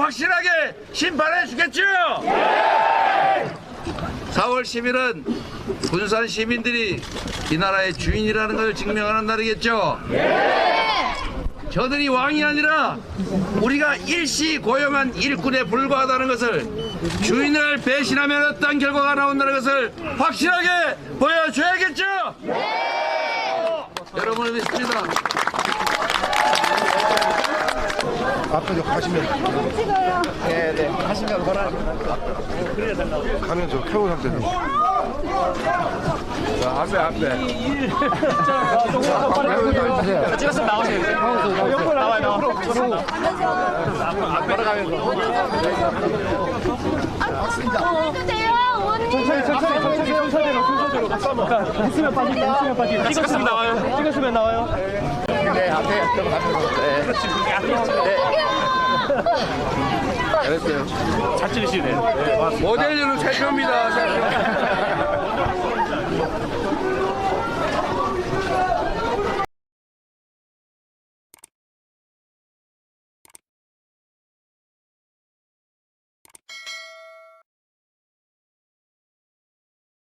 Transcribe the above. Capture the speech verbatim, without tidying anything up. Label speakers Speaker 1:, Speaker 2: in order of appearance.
Speaker 1: 확실하게 심판해 주겠죠? 사월 십일은 군산 시민들이 이 나라의 주인이라는 것을 증명하는 날이겠죠? 저들이 왕이 아니라 우리가 일시 고용한 일꾼에 불과하다는 것을, 주인을 배신하면 어떤 결과가 나온다는 것을 확실하게 보여줘야겠죠? 여러분을 믿습니다.
Speaker 2: 앞으로 가시면
Speaker 3: 찍어요.
Speaker 2: 네네 하시면 뭐라 가면 저 켜고 상태로 자 앞에 앞에
Speaker 4: 찍었으면 나오세요.
Speaker 2: 옆으로 나와요 옆으로
Speaker 3: 앞으로 가면서. 해주세요, 어머니.
Speaker 4: 천천히 천천히 천천히 순서대로 순서대로 있으면 빠지게 있으면 빠지게 찍었으면 나와요. 찍었으면 나와요.
Speaker 2: 네 앞에 들어가면서 네 잘했어요
Speaker 4: 잘 찍으시네요.
Speaker 1: 모델료는 살 겁니다.